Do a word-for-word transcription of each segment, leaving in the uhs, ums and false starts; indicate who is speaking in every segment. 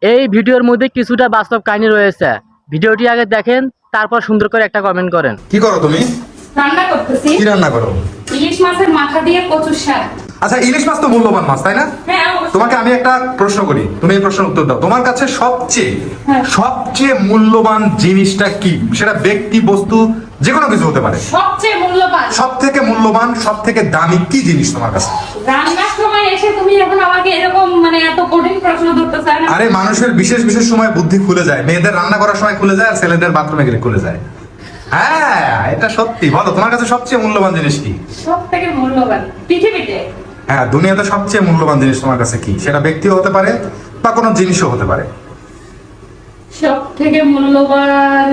Speaker 1: এই ভিডিওর মধ্যে কিছুটা বাস্তব কাহিনী রয়েছে। ভিডিওটি আগে দেখেন, তারপর সুন্দর করে একটা কমেন্ট করেন।
Speaker 2: কি করো তুমি?
Speaker 3: রান্না করতেছি।
Speaker 2: কি রান্না করো?
Speaker 3: ইলিশ মাছের মাথা দিয়ে কচুর শাক।
Speaker 2: আচ্ছা, ইলিশ মাছ তো মূল্যবান মাছ, তাই না?
Speaker 3: হ্যাঁ, অবশ্যই।
Speaker 2: তোমাকে আমি একটা প্রশ্ন করি, তুমি এই প্রশ্নের উত্তর দাও। তোমার কাছে সবচেয়ে
Speaker 3: হ্যাঁ।
Speaker 2: সবচেয়ে মূল্যবান জিনিসটা কি? সেটা ব্যক্তি, বস্তু, যে কোনো কিছু হতে পারে।
Speaker 3: সবচেয়ে মূল্যবান,
Speaker 2: সব থেকে মূল্যবান, সব থেকে দামি কি জিনিস তোমার কাছে?
Speaker 3: রান্নার সময় এসে তুমি এখন আমাকে এরকম মানে এত কঠিন প্রশ্ন ধরতে চাও না।
Speaker 2: আরে, মানুষের বিশেষ বিশেষ সময় বুদ্ধি খুলে যায়। মেয়েদের রান্না করার সময় খুলে যায়, আর ছেলেদের বাথরুমে গেলে খুলে যায়। হ্যাঁ, এটা সত্যি। বলো, তোমার কাছে সবচেয়ে মূল্যবান জিনিস কি?
Speaker 3: সব থেকে মূল্যবান পৃথিবীতে।
Speaker 2: হ্যাঁ, দুনিয়াতে সবচেয়ে মূল্যবান জিনিস তোমার কাছে কি? সেটা ব্যক্তিও হতে পারে বা কোনো জিনিসও হতে পারে।
Speaker 3: সব থেকে মূল্যবান,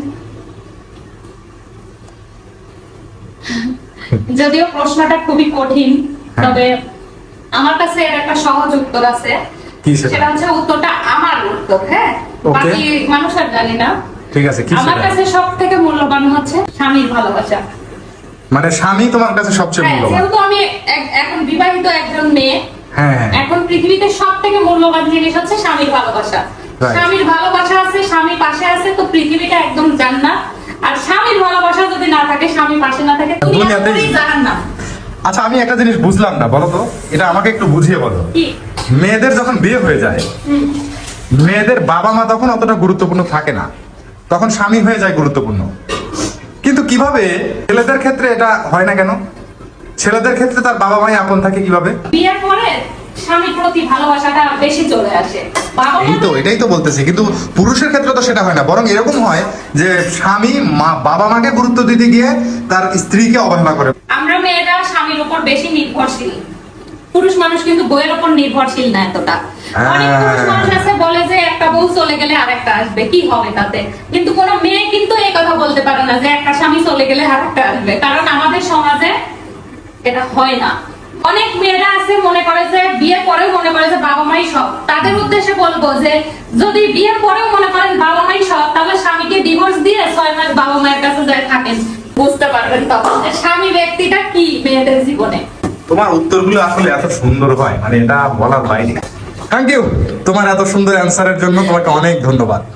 Speaker 3: যদিও প্রশ্নটা খুবই কঠিন, তবে আমার কাছে এর একটা সহজ উত্তর আছে।
Speaker 2: কি সেটা?
Speaker 3: সেটা হচ্ছে উত্তরটা আমার উত্তর। হ্যাঁ,
Speaker 2: Okay.
Speaker 3: বাকি মানুষ আর জানি না।
Speaker 2: ঠিক আছে, কি
Speaker 3: আমার
Speaker 2: সেটা?
Speaker 3: কাছে সব থেকে মূল্যবান হচ্ছে স্বামীর ভালোবাসা।
Speaker 2: মানে স্বামী তোমার কাছে সবচেয়ে
Speaker 3: হ্যাঁ,
Speaker 2: মূল্যবান?
Speaker 3: যেহেতু আমি এক- এখন বিবাহিত একজন মেয়ে,
Speaker 2: হ্যাঁ, হ্যাঁ।
Speaker 3: এখন পৃথিবীতে সব থেকে মূল্যবান জিনিস হচ্ছে স্বামীর ভালোবাসা।
Speaker 2: Right.
Speaker 3: স্বামীর ভালোবাসা আছে, স্বামী পাশে আছে, তো পৃথিবীটা একদম জান্নাত। আর স্বামীর ভালোবাসা যদি না থাকে, স্বামী পাশে না থাকে, দুনিয়া
Speaker 2: দুনিয়াতেই-
Speaker 3: পুরোই জাহান্নাম।
Speaker 2: আচ্ছা, আমি একটা জিনিস বুঝলাম না, বলো তো, এটা আমাকে একটু বুঝিয়ে বলো।
Speaker 3: কি?
Speaker 2: মেয়েদের যখন বিয়ে হয়ে যায়,
Speaker 3: হুম।
Speaker 2: মেয়েদের বাবা মা তখন অতটা গুরুত্বপূর্ণ থাকে না, তখন স্বামী হয়ে যায় গুরুত্বপূর্ণ। কিন্তু কিভাবে ছেলেদের ক্ষেত্রে এটা হয় না কেন? ছেলেদের ক্ষেত্রে তার বাবা মাই আপন থাকে কিভাবে?
Speaker 3: বিয়ের পরে স্বামীর প্রতি ভালোবাসাটা বেশি চলে আসে। বাবা
Speaker 2: এই তো, এটাই তো বলতেছি। কিন্তু পুরুষের ক্ষেত্রে তো সেটা হয় না, বরং এরকম হয় যে স্বামী মা বাবা মাকে গুরুত্ব দিতে গিয়ে তার স্ত্রীকে অবহেলা করে।
Speaker 3: আমরা মেয়েরা স্বামীর উপর বেশি নির্ভরশীল। পুরুষ মানুষ কিন্তু বইয়ের উপর নির্ভরশীল না এতটা। অনেক পুরুষ মানুষ আছে বলে যে একটা বউ চলে গেলে আরেকটা আসবে, কি হবে তাতে? কিন্তু কোনো মেয়ে কিন্তু এই কথা বলতে পারে না যে একটা স্বামী চলে গেলে আরেকটা আসবে, কারণ আমাদের সমাজে এটা হয় না। অনেক মেয়েরা আছে মনে করে যে বিয়ে পরেও মনে করে যে বাবা মাই সব। তাদের উদ্দেশ্যে বলবো যে যদি বিয়ের পরেও মনে করেন বাবা মাই সব, তাহলে স্বামীকে ডিভোর্স দিয়ে ছয় মাস বাবা মায়ের কাছে যায় থাকেন, বুঝতে পারবেন তখন যে স্বামী ব্যক্তিটা কি মেয়েদের জীবনে।
Speaker 2: তোমার উত্তরগুলো আসলে এত সুন্দর হয়, মানে এটা বলার বাইরে। থ্যাংক ইউ তোমার এত সুন্দর অ্যান্সারের জন্য, তোমাকে অনেক ধন্যবাদ।